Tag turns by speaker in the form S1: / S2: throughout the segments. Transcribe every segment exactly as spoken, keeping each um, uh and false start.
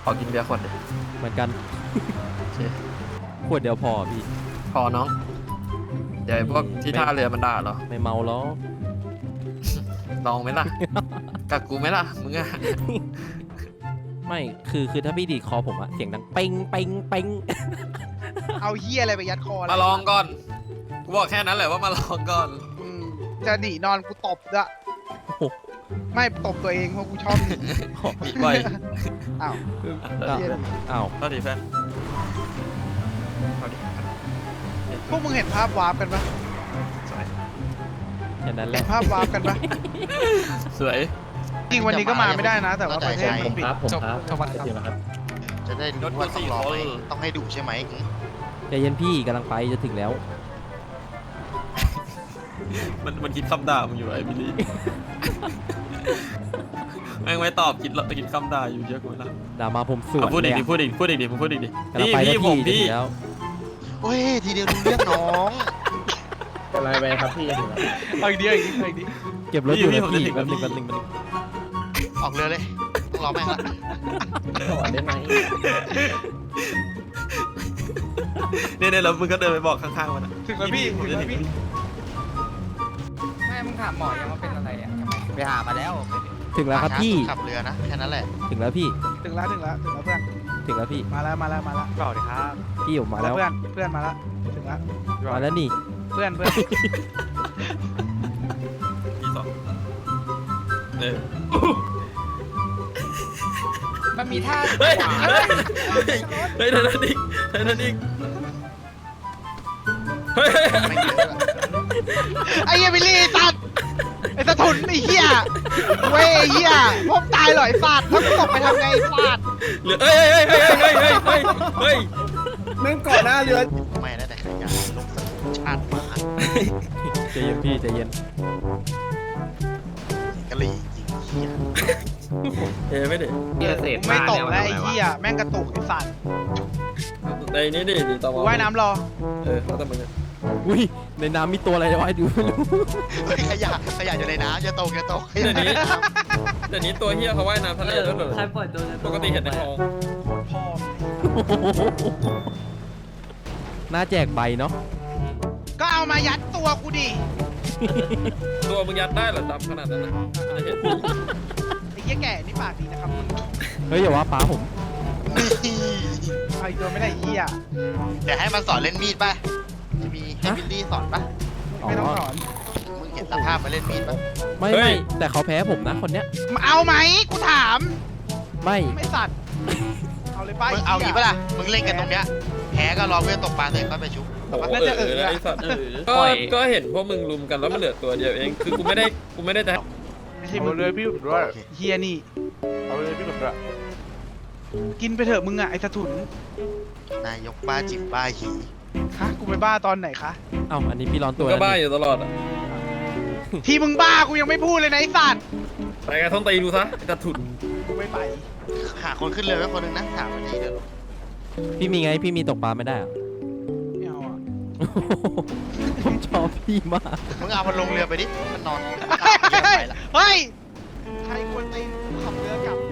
S1: อกินเบียร์ขวดเดียว
S2: เหมือนกัน
S1: โอเค
S2: ขวดเดียวพอพี่
S1: พอน้องเดี๋ยวไอ้พวกที่ท่าเรือมันด่าเหรอ
S2: ไม่เมาแล้ว
S1: ลองไหมล่ะ กับกูไหมล่ะมึงอะ
S2: ไม่คือคือถ้าพี่ดีดคอผมอะเสียงดังเป้งเป้งเป้ง
S3: เอาเฮียอะไรไปยัดคอ
S1: มาลองก่อนกูบอกแค่นั้นแหละว่ามาลองก่อน
S3: อืมจะหนีนอนกูตบด้วยไม่ตบตัวเองเพราะกูชอบหนี
S1: อีกบ่อย
S3: อ้าว
S2: อ้าว
S3: เหี้ย
S2: อ้าว
S1: ก็ดีแฟนเอาดิ
S3: พวกมึงเห็นภาพวาร์ปกันปะ
S1: สวย
S2: แค่นั้นแห
S3: เห็
S2: ละ
S3: นภาพวาร์ปกันปะ
S1: สวย
S3: จริงวันนี้ก็มาไม่ได้นะ แต่ว่าประเทศ
S4: ผ
S3: มัน
S4: ม
S3: ปิด
S4: ครับผมครับ
S3: จังหวัดครับ
S4: เดี๋ยวนะครับ
S5: จะได้รู้ว่าต้องรอไหมต้องให้ดุใช่ไหม
S2: ใจเย็นพี่กำลังไปจะถึงแล้ว
S1: มันมันคิดคำด่ามึงอยู่ไอ้บิลลี่ แม่งไม่ตอบคิดคิดคำด่าอยู่เยอะกว่านั้น
S2: ด่ามาผมสวน
S1: พูดอีก
S2: เลย
S1: ดิ
S2: อะ
S1: พูดอีกพูดอีกดิมึงพูดอีกดิ
S2: กำลัง
S1: นี่
S2: ไปแล้ว
S1: พี่ผม
S2: พี่
S1: พี่
S2: จะถึงแล้ว
S5: โอ้ยทีเดียวรู้เรื่องน้อง
S4: อะไรไปครับพี่ถึงแล้ว
S3: เอาอีกเดียวอีกนิดเอาอีกนิด
S2: เก็บรถอยู่นะพี่แป๊บนึงแป๊บนึงแป๊บนึง
S5: ออกเรือเลยต้องรอแม่งละ
S4: ถอนได้ไหม
S1: เนี่ยเนี่ยแล้วมึงก็เดินไปบอกข้างๆมันอะ
S3: ถึงแล้วพี่ถึงแล้วพี่
S6: แม่มึงถามหมอยังว่าเป็นอะไรอ่ะยังไม่
S5: ไปหามาแล้ว
S2: ถึงแล้วครับพี่
S5: ขับเรือนะแค่นั้นแหละ
S2: ถึงแล้วพี่
S3: ถึงแล้วถึงแล้วถึงแล้วเพื่อน
S2: ถึงแล้วพี่
S3: มาแล้วมาแล้วมาแล้ว
S6: เปล่าดิครับ
S2: พี่ผมมาแล้ว
S3: เพื่อนเพื่อนมาแล้วถึงแล้ว
S2: มาแล้วนี่
S3: เพื่อนเพื่อน
S1: ที่สองเออ
S6: มันมีท่า
S1: เฮ้ย
S6: ขวา
S1: เฮ้ยเฮ้ยเธอนั่นอีกเธอนั่นอีกเฮ้ย
S5: ไม่เยอะ
S3: ไอ้เหี้ยบิลลี่สัตว์ไอ้สะทุนไอ้เหี้ยเว้ยไอ้เหี้ยพวกตายเหรอไอ้สัตว์แล้วกูตกไปทำไงไอ้สัตว์
S1: เหลือเฮ้ยเฮ้ยเฮ้ยเฮ้ยเฮ้ยเฮ้ยเฮ้ย
S4: แม่งก่อนหน้าเรือ
S5: ไม่นะแต่ขยันลงสกุลชาติหมา
S2: ใจเย็นพี่ใจเย็น
S5: กะหรี่จริงเหี้ย
S1: เฮ้ยไม่ดิ
S4: เรือเศษ
S3: ไม่ตกแล้วไอ้เหี้ยแม่งกระตุกไอ้สัตว์
S1: ในนี้ดิดิตอ
S3: กูว่ายน้ำรอ
S1: เออแล้วแต่มึง
S2: อุ้ยในน้ำมีตัวอะไรวะดูไม่รู้
S5: เฮ้ยขยะขยะอยู่ในน้ำจะตกจะตกข
S1: เดี๋
S5: ยะ
S1: ยวนี้เดี๋ยวนี้ตัวเฮียเขาว่ายน้ำทะเลด้วยเหรอ
S6: ใครปล่อยตัว
S1: ปกติเห็นในคลอง
S3: พ่อ
S2: น่าแจกใบเนาะ
S3: ก็เอามายัดตัวกูดิ
S1: ตัวมึงยัดได้เหรอดำขนาดนั้นนะจะเห็น
S3: ไอ้เหี้ยแก่นี่ปากดีนะครับมึง
S2: เฮ้ยอย่าว่าป้าผม
S5: นี่
S3: เอาอีกตัวไม่ได้ไอ้เหี้ย
S5: เดี๋ยวให้มันสอนเล่นมีดป่ะจะมีให้บิลลี่สอนป่ะ
S3: ไม่ต้องสอน
S5: มึงเห็นสภาพมาเล่นมีดป่ะ
S2: ไม่ไม่แต่เขาแพ้ผมนะคนเนี้ย
S3: มาเอาไหมกูถาม
S2: ไม่
S3: ไม่สัตว์เอาเลยป้า
S5: มึงเอางี้ป่ะล่ะมึงเล่นกันตรงเนี้ยแพ้ก็รอเพื่อนตกปลาเสร็จก็ไปชุบ
S1: โอ้โหเออไอ้สัตว์ก็ก็เห็นพวกมึงลุมกันแล้วมันเหลือตัวเดียวเองคือกูไม่ได้กูไม่ได้จะ
S3: ไม่ใช่มึงเลยพี่ด้วยเฮียนี่เอาเลยพี่ด้วยกินไปเถอะมึงอ่ะไอ้สะทุน
S5: นายกบ้าจิบบ้าหี
S3: ฮะกูไปบ้าตอนไหนคะ
S2: เอ้าอันนี้พี่ร้อน
S1: มึ
S2: ตั
S1: ง
S2: ว
S1: ก็
S2: แล้ว
S1: บ้าอ
S2: นี่
S1: ยู่ตลอดอ่ะ
S3: ที่มึงบ้ากูยังไม่พูดเลยนะไอ้สัตว์
S1: ไปกันท้องตีดูซะจะถุน
S3: กูไม่ไป
S5: หาคนขึ้นเรือไว้คนหนึงนะถามมาทีเดียว
S2: พี่มีไงพี่มีตกปลาไม่ได้เหรอ
S3: ไม่เอาอ่ะ
S2: ผมชอบพี่มาก
S5: มึงเอามันลงเรือไปดิมันนอน
S3: เฮ้ยใครควรตีกูขับเรือกลับ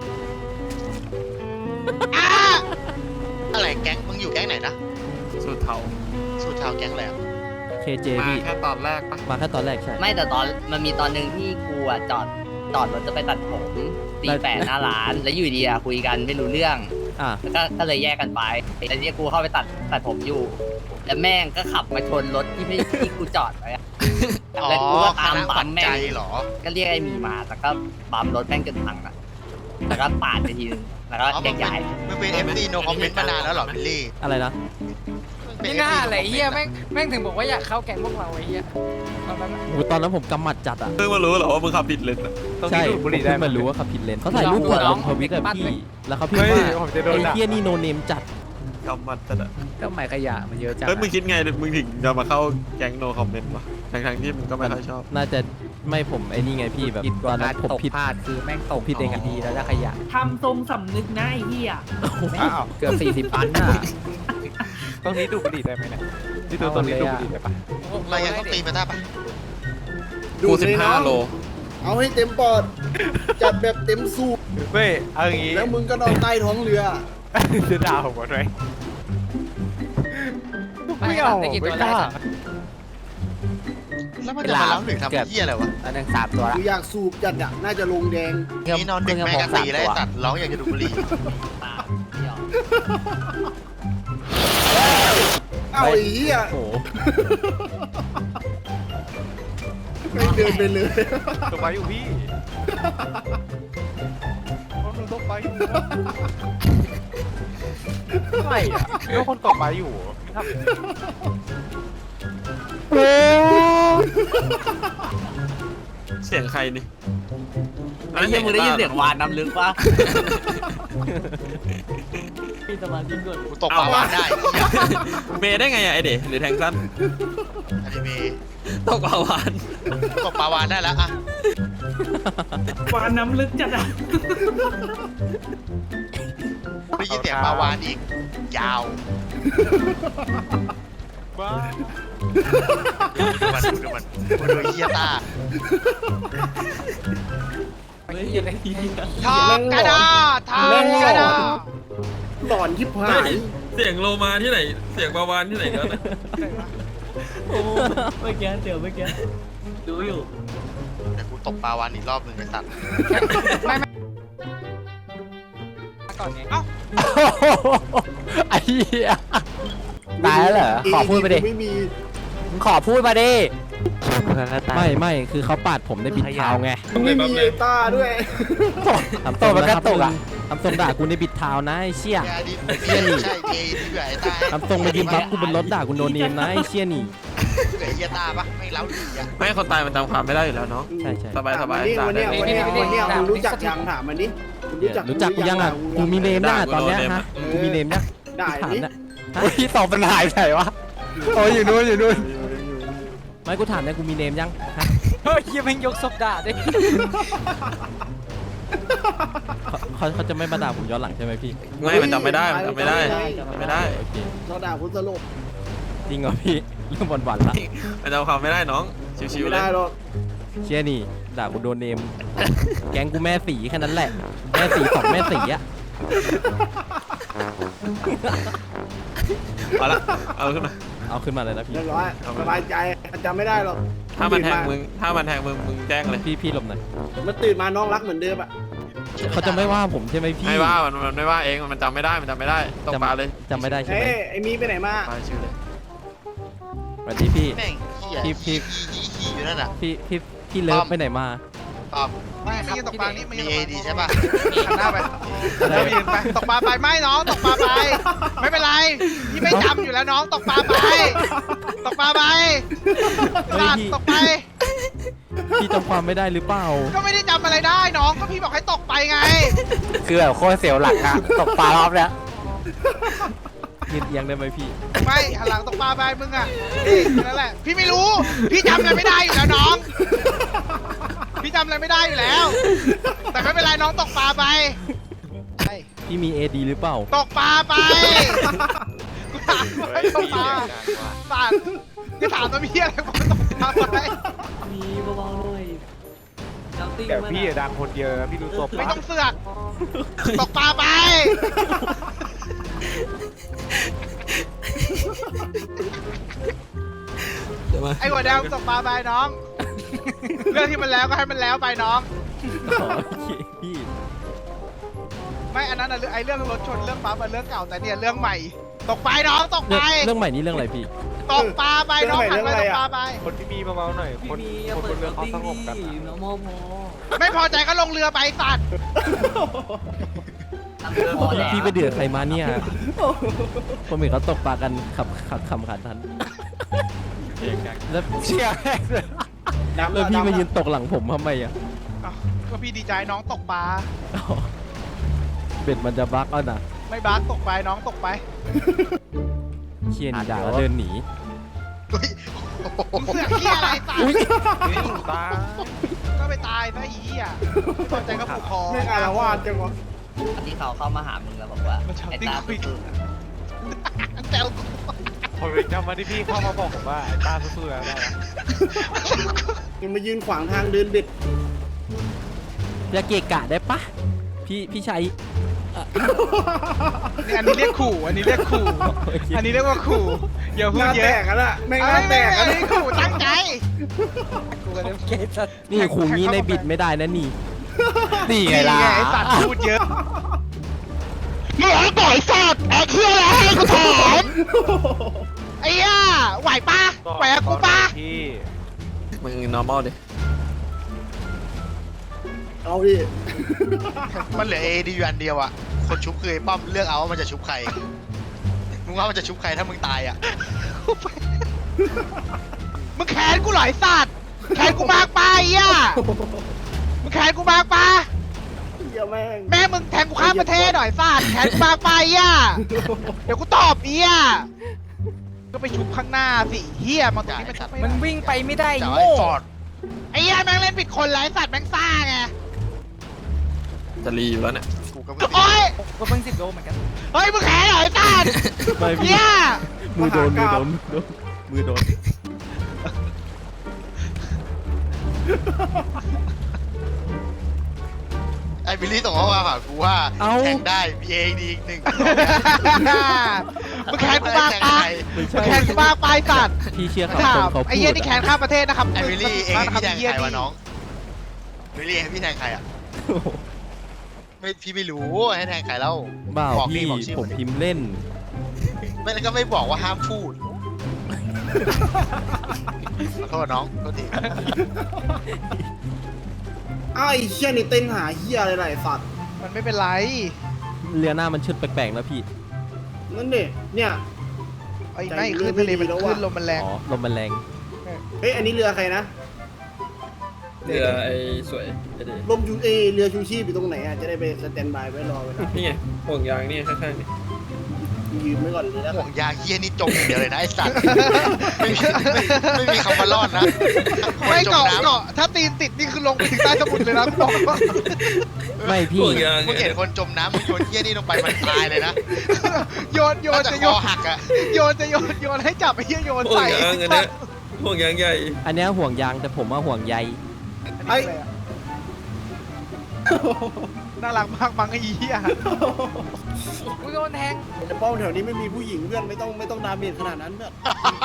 S3: อ้า
S5: อะไรแก๊งมึงอยู่แก๊งไหนนะ
S1: สุดเทา
S5: สูตรชาวแก๊งอะไรอ่ะ
S2: เคเจ
S1: มา
S2: พี่
S1: แค่ตอนแรกปะ
S2: มาแค่ตอนแรกใช่
S6: ไม่แต่ตอนมันมีตอนหนึ่งที่กูอ่ะจอดจอดรถจะไปตัดผมตีแปดหน้าร้าน แล้วอยู่ดีอ่ะคุยกันไม่รู้เรื่อง
S2: อ่ะ
S6: แล้วก็ก็เลยแยกกันไปแล้วที่กูเข้าไปตัดตัดผมอยู่ แล้วแม่งก็ขับมาชนรถที่พี่ที่กูจอดไว้อะ
S5: อ๋อ
S6: แล้วกูก็ตาม
S5: คณะ
S6: บั
S5: ปั
S6: ม
S5: จ
S6: แม่
S5: จั
S6: ง
S5: ยเหรอ
S6: ก็เรียกไอ้หมีมาแล้วก็บัมรถแม่งจนพังอ่ะแล้วก็ปาดไปทีนึงแล้วก็
S5: อ๋อ
S6: แย
S5: มึง
S6: ก
S5: เป็น
S6: ย้าย
S5: มึงเป็นเอฟซีโนคอมเมนต์มานานแล้วเหรอบิลลี่
S2: อะไรนะ
S6: ไม่น่าอะไรเฮียแม่งแม่งถึงบอกว่าอยากเข้าแก๊งพวกเราไอ้เฮียตอนนั้น
S2: โอ้โหตอนนั้นผมกำหมัดจัดอ่ะ
S1: เพิ่งมารู้เหรอว่ามึงขับผิดเลนอะ
S2: ใช่ผมเพิ่งมารู้ว่าขับผิดเลนเขาถ่ายรูปผมลงทวิตอะพี่แล้วเขาพิมพ์ว่าไอ้เทียนี่โนเนมจัด
S1: กำมัดจัดอะ
S6: ก็หมายขยะมันเยอะจัง
S1: เฮ้ยมึงคิดไงมึงถึงจะมาเข้าแก๊งโนคอมเมนต์วะทั้งๆที่มึงก็ไม่ค่อยชอบ
S2: น่าจะไม่ผมไอ้นี่ไงพี่แบบตอนนั้นผมผิด
S6: คือแม่งตก
S2: ผิดเองอะ
S6: ดีแล้วจะขยะ
S7: ทำทรงสำนึกนะไอ้เหี้ย
S6: อ้าวเกือบสี่สิบปันน่ะ
S8: ตรงนี้ดูดบุหรี่ได้ไหมเนี่ยที่ดูตรงนี้ดูดบุหรี่ได้ปะ
S5: เรายังต้องตีไปได้ปะ
S1: กูสิบห้าโล
S4: เอาให้เต็มปอด จัดแบบเต็มสูบ
S8: เว้ยเอาอย่างงี้
S4: แล้วมึงก็นอนใต้ท้องเรือ
S8: จะด่าผมก่อนไหมไม่เอาไม่กล้า
S5: แล้วมันจะมาล้างหนึ่งทำเหี้ยอะไรวะ
S6: อันหนึ่งสามตัวละ
S4: กูอยากสูบจัดอะน่าจะลงแดง
S5: นี่นอนดึกแม่งกะตีแล้วไอ้สัตว์ร้องอยากจะดูดบุหรี่
S6: ตามเดี่ยว
S4: เอาไอ้เหี้ย
S2: โอ้โห
S4: ไม่เดินไปเลย
S8: ตกไปอยู่พี่มันตกไปอยู่ไม่อะก็คนตกไปอยู่ทำ
S1: เสียงใครนี่
S6: ไอ้เหี้ยมึงได้ยินเสียงวานน้ำลึกปะ
S2: พี่สมาธิก่อน
S5: กูตกปลาวานได้เหี้ย
S1: เมย์ได้ไงอะไอเด๋หรือแทงสั้น
S5: อนิเมะ
S1: ตกปลาวาน
S5: ตกปลาวานได้แล้วอะ
S7: วานน้ำลึกจัดอ่ะ
S5: ได้ยินเสียงปลาวานอีก ยาว
S8: บ้า
S5: ดูมันดูมันดูดูเฮียตา
S2: ไม่ยังไงพี่
S3: ทองกระดาษทองกระดาษ
S4: หลอนชิบหาย
S1: เสียงโลมาที่ไหน เสียงปลาวานที่ไหนกันนะ
S2: โอ้เมื่อกี้เดี๋ยวเมื่อกี้ดูอยู่
S5: เดี๋ยวกูตกปลาวานอีกรอบหนึ่งไอ้สัตว์
S2: ไอ้เหี้ยตายแล้วเหรอขอพูดไปดิ
S4: ไม่มี
S2: มึงขอพูดมาดิไม่ไม่คือเขาปาดผมในบิดเท้าไง
S4: ไม่มีไอ้ต้าด้วย
S2: ทำตัวมันกระตุกอ่ะทำทรงด่ากูในบิดเท้านะไอ้เชี่ย
S5: แกดิเฮียนี่ใช่เกย์ที่เหลือไอ้ตา
S2: ทำทรงมายืนบัฟกูบนรถด่ากูโดนเนมนะไอ้เชี่ยนี่
S5: เหลือเฮียตาปะไม่เล้าดีอะ
S1: ไม่คนตายมันจำความไม่ได้อยู่แล้วเนาะ
S2: ใช่ใช่
S1: สบายสบาย
S4: วันนี้วันนี้วันนี้วันนี้มึงรู้จักยังถามมันดิมึงรู้จัก
S2: รู้จักกูยังอ่ะกูมีเนมยังอ่ะตอนเนี้ยฮะกูมีเนมยัง
S4: ได้
S2: ถาม
S4: นี่
S2: นะพี่ตอบเป็นหายไปวะโอ้ยอยู่นู้นอยู่นู้นไม่กูถามเนี่ยกูมีเนมยังฮะ
S8: เฮ้ยยังไม่ยกศพด่าดิ
S2: เขาเขาจะไม่มาด่าผมย้อนหลังใช่ไหมพี่
S1: ไม่มันจำไม่ได้มันจำไม่ได้จำไม่ได้
S2: โอเค
S4: เขาด่าคุณสลบ
S2: จริงเหรอพี่เรื่องหวานๆละ
S1: มันจำความไม่ได้น้องชิวๆ
S4: ไม่
S1: เลย
S4: ได้หรอก
S2: เชี่ยนี่ด่ากูโดนเนม แก๊งกูแม่สีแค่นั้นแหละ แม่สีสองแม่สีอะ
S1: เอาละเอาขึ้นมา
S2: เอาขึ้นมาเลยนะพี่
S4: เรียบร้อยสบายใจจำไม่ได้หรอก
S1: ถ้ามันแทงมึงถ้ามันแทงมึงมึงแจ้งเลย
S2: พี่พี่หลบหน่อย
S4: มันตื่นมาน้องรักเหมือนเดิมอะ
S2: เขาจะไม่ว่าผมใช่ไหมพี่
S1: ไม่ว่ามันมันไม่ว่าเองมันจำไม่ได้มันจำไม่ได้ตกปลาเลย
S2: จำไม่ได้ใช่ไหม
S4: เอ้ยไอ้มีไปไหนมา
S1: ปลาชื่อเลย
S2: สวัสดีพี่
S5: แม่งเฮีย
S2: พี่พี่
S5: ขี้ขี้อยู่นั่นน่ะ
S2: พี่พี่พี่เลิฟไปไหนมา
S5: ตอบ
S3: ไม่ไม่ยืนตกปลานี่ไม่
S5: มี
S3: ยืน
S5: เอ
S3: ตกปลา
S5: ดีใช่ป่ะ
S3: หันหน้าไปแล้วยืนไปตกปลาไปไม่น้องตกปลาไป ไม่เป็นไรพี่ไม่จำอยู่แล้วน้องตกปลาไป ตกปลาไป
S2: เฮ้ย
S3: ลาด
S2: พี่
S3: ตกไป
S2: พี่จำความไม่ได้หรือเปล่า
S3: ก็ไม่ได้จำอะไรได้น้องก็พี่บอกให้ตกไปไง
S8: คือแบบโคตรเสียวหลังอะตกปลารอบเนี้ย
S2: ยืนเอียงได้ไหมพี่
S3: ไม่หันหลังตกปลาไปมึงอ่ะนี่แค่นั่นแหละพี่ไม่รู้ พี่จำอะไรไม่ได้อยู่แล้วน้อง พี่จำอะไรไม่ได้อยู่แล้ว แต่ไม่เป็นไรน้องตกปลาไปไป
S2: พี่มีเอดีหรือเปล่า
S3: ตกปลาไปกูถามว่าให้ตกปลาปาดกูถามตัวพี่อะไรกูตกปลาไป
S2: มีเบาๆหน่อยน้ำติ้ง
S8: แต่พี่อะดังคนเดียวนะพี่รู้ตัว
S3: ไม่
S8: ปะ
S3: ต้องเสือกตกปลาไป ไอ้หัวแดงตกปลาไปน้อง เรื่องที่มันแล้วก็ให้มันแล้วไปน้อง
S2: อ๋อโอเคพี่
S3: ไม่อันนั้นอะเรื่องไอ้เรื่องรถชนเรื่องปั๊มมันเรื่องเก่าแต่เนี่ยเรื่องใหม่ ตกไปน้องตก
S2: เรื่
S3: ไป
S2: องเรื่องใหม่นี้เรื่องอะไรพี่
S3: ตกปลาไปน้องหันไปตกปลาไป
S8: คนที่มีเบาๆหน่อยคนคนบนเรือเขาสงบกันอะ
S3: ไม่พอใจก็ลงเรือไปสัตว์
S6: พอแล้ว
S2: พี่ไปเดือดใครมาเนี่ยผมเห็นเขาตกปลากันขับขับขำขันทันแล้ว
S8: เชี่ยแม่งเลย
S2: แล้วพี่มายืนตกหลังผมทำไมอ่ะ
S3: อ้าวก็พี่ดีใจน้องตกปลา
S2: อ๋อเบ็ดมันจะบักเอานะ
S3: ไม่บาสตกไปน้องตกไป
S2: เชียนด่าแล้วเดินหนี
S3: มึงเสือกขี้ยอะไรสัตว์
S8: ตา
S3: ก็ไปตายซะอีอ่ะไม่พอใจก็ผูกคอ
S4: ไม่อารวาสจังวะ
S6: ที่เขาเข้ามาหามึงแล้วบอกว่าไอ้ตาสู้ๆนะ
S3: แซวกู
S8: ผมไปจำมาที่พี่เข้ามาบอกผมว่าไอ้ตาสู้ๆแล้วได้นะ
S4: มันมายืนขวางทางเดินเบ็ด
S2: อย่าเกะกะได้ปะพี่พี่ชัย
S3: นี่อันนี้เรียกขู่อันนี้เรียกขู่อันนี้เรียกว่าขู่อย่าพูดเย
S4: แต
S3: อะ
S4: กกันละไม่
S3: อั
S4: งานแตกกัน
S3: นนี้ขู่ตั้งใจ
S2: นี่ขู่งี้ในบิดไม่ได้นะนี่นี่ไงล่ะ
S3: ไอ้สัตว์พูดเยอะมึงไอ้ต่อยสัตว์ไอ้เหี้ยอะไรให้กูถามไอ้เหี้ยไหวปะไหวกับกูปะ
S1: มึง normal ดิ
S4: เอาดิ
S5: มันเหลือเอดีอยู่อันเดียวอะคนชุบคือไอ้ป้อมเลือกเอาว่ามันจะชุบใครมึงว่ามันจะชุบใครถ้ามึงตายอะ
S3: มึงแขนกูเหรอไอ้สัตว์แขนกูมากไปะไอ้เหี้ยมึงแขนกูมากปะ
S4: เหี้ยแม่ง
S3: แม่มึงแทงกูข้ามประเทศหน่อยสัตว์แขนกูมากไปะไอ้เหี้ยเดี๋ยวกูตอบไอ้เหี้ยก็ไปชุบข้างหน้าสิเหี้ยมาตรงนี้มันชุบไม่ได้
S6: มันวิ่งไปไม่ได้
S5: จ่า
S6: โง่
S5: ไอ้ฟอร์ด
S3: ไอ้เหี้ยแม่งเล่นผิดคนไรสัตว์แม่งซ่าไง
S1: จะรีอยู่แล้วเนี่ย
S5: กูกับ
S3: โอ๊ย
S6: ก็เพิ่งสิบโลเหมือนกัน
S3: เฮ้ยมึงแขนเหรอไอ้สัตว์
S2: ไม่พี่
S3: เหี้ย
S2: มือโดนมือโดนมือโดน
S5: ไอ้บิลลี่ส่งข้อความหากูว่าแข่งได้มีเอดีอีกหนึ่ง
S3: มึงแขนกูมากปะ
S2: ไม่
S3: มึ
S2: ใช่
S3: งแขนกูมากไปสัตว์
S2: พี่เชื่อ
S3: ถา
S2: คำคน
S3: ม
S2: เขา
S3: ไอ้
S2: พู
S3: เหี้ย
S2: ด
S3: นี่แขนข้ามประเทศนะครับ
S5: ไอ้บิลลี่เองพี่แทงใครวะน้องบิลลี่ให้พี่แทงใครอะไม่พี่ไม่รู้ให้แทงใครแล้ว
S2: บ้า
S5: บอก
S2: พี่
S5: บอกชื่อ
S2: ผมพิมพ์เล่น
S5: ไม่แล้วก็ไม่บอกว่าห้ามพูดขอโทษน้องโทษที
S4: อ้าวไอ้เชี่ยนี่เต้นหาเหี้ยอะไรหลายสัตว์
S3: มันไม่เป็นไร
S2: เรือหน้ามันชุดแปลกๆนะพี่
S4: นั่นดิเนี่ย
S3: ไอ้ไม่ขึ้นทะเลมันขึ้นลมมันแรง
S2: อ๋อลมมันแรง
S4: เฮ้ยอันนี้เรือใครนะ
S1: เรือไอ้สวยไอ้ดี
S4: ลมชูเอยเรือชูชีพอยู่ตรงไหนอ่ะจะได้ไปสแตนบายไว้รอไว้นะ
S1: นี่ไงห่วงยางนี่ข้างๆนี่
S4: ยืมไว้ก่อนเลยนะ
S5: ห่วงยางเฮียนี่จมอย่างเดียวเลยนะไอ้สัตว์ไม่มีไม่ไม่มีคำว่ารอดนะ
S3: ไม่
S5: จม
S3: เกาะ
S5: น้ำ
S3: เกาะถ้าตีนติดนี่คือลงไปถึงใต้สมุทรเลยนะกูบอกว่า
S2: ไม่พี่
S1: ห่วงยาง
S5: มึงเห็นคนจมน้ำมึงโยนเฮียนี่ลงไปมันตายเลยนะ
S3: โยนโยน
S5: จะ
S3: จะ
S5: ค
S3: โย
S5: อน หักอะ
S3: โยนจะโยนโยนให้จับไอ้เหี้ยโยน
S1: ห่วง
S3: ใส่
S1: ยางอันเนี้ยห่วงยางใหญ่
S2: อันเนี้ยห่วงยางแต่ผมว่าห่วงใย
S3: ไอ้น่ารักมากบังไอ้เหี้ย
S6: กูโดนแทง
S4: แต่ป้อมแถวนี้ไม่มีผู้หญิงเพื่อนไม่ต้องไม่ต้องดาเมจขนาดนั้นเพื่อน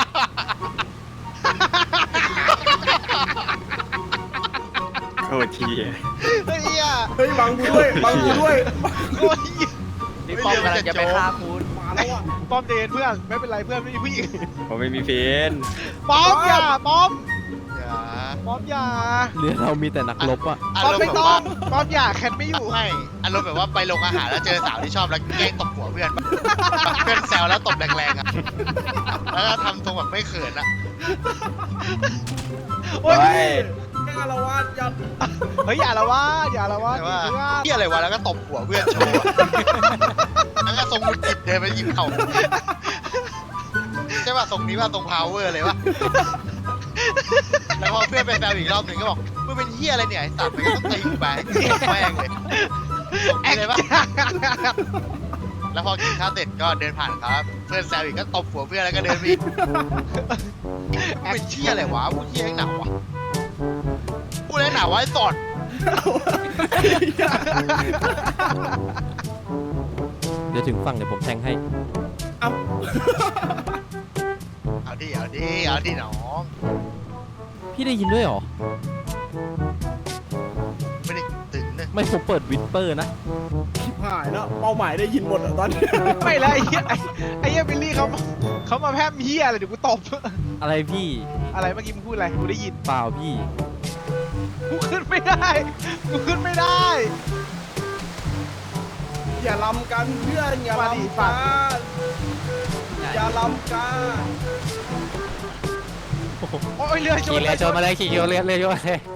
S8: โอ้ที
S3: ไอ้เหี้ย
S4: เฮ้ยบังกูด้วยบังกูด้วย
S3: โอ้ย
S6: นี่ป้อมกำลังจะไปฆ่าคุณ
S4: มาแล้วอ่ะ
S3: ป้อมเดนเพื่อนไม่เป็นไรเพื่อนไม่มีผู้หญิง
S8: ผมไม่มีเฟน
S3: ป้อมอย่าป้อม
S5: อย่า
S3: ป้อมอย่า
S2: เรือเรามีแต่นักรบอะ
S5: อา
S3: ป้อม
S5: รมณ์
S3: ไม่
S5: แบบ
S3: ต้อ
S5: ว่าง
S3: ป้อมอย่าแคนไม่อยู่
S5: ไม่อารมณ์แบบว่าไปลงอาหารแล้วเจอสาวที่ชอบแล้วแกล้งตบหัวเพื่อนปะเพื่อนแซวแล้วตบแรงๆอะแล้วก็ทำทรงแบบไม่เขินอะ
S3: โอ้ย
S4: แม่งอารวาสยัด
S3: เฮ้ยอย่าละว่าอย่าละว่า
S5: แต่ว่า
S3: เพื่อน
S5: ที่อะไรวะแล้วก็ตบหัวเพื่อนโชว์อะแล้วก็ทรงมุดจิตเดินไปหยิบเข่าใช่ป่ะทรงนี้ว่าทรงพาวเวอร์เลยวะแล้วพอเพื่อนไปแซวอีกรอบหนึ่งก็บอกมึงเป็นเฮียอะไรเนี่ยไอ้สัตว์มันก็ต้องตีกูไปแม่งเลยทรง
S3: แอ
S5: นี้
S3: ค
S5: เลยปะ
S3: จ้า
S5: แล้วพอกินข้าวเสร็จก็เดินผ่านครับ เพื่อนแซวอีกก็ตบหัวเพื่อนแล้วก็เดินไปอีกเป็นเชี่ยอะไรวะพูดเชี่ยแม่งหนาวะพูดแล้วหนาวะไอ้สอด
S2: เดี๋ยวถึงฝั่งเดี๋ยวผมแทงให้
S4: เอา
S5: เอาดิเอาดิเอาดิน้อง
S2: พี่ได้ยินด้วยเหรอ
S5: ไม่ได้ตึงนะ
S2: ไม่ผมเปิดวิสเปอร์นะ
S4: ชิบหายแล้วเป้าหมายได้ยินหมดอ่ะตอนนี้
S3: ไม่แล้วไอ้เหี้ยไอ้ไอ้เหี้ยบิลลี่เขาเขามาแพร่มเหี้ยอะไรเดี๋ยวกูตบ
S2: อะไรพี่
S3: อะไรเมื่อกี้มึงพูดอะไรกูได้ยิน
S2: เปล่าพี่
S3: กูขึ้นไม่ได้กูขึ้นไม่ได้
S4: อย่าลำกันเพื่อนอย่า
S3: มาดิ
S4: ลำ
S3: ฝา
S4: กั
S3: ก
S4: นอย่าลำกัน
S3: โอ้ยเรือช
S2: ขี่
S3: น
S2: เรือชนมาเลยขี่เรือเรือเรือชนมาเลย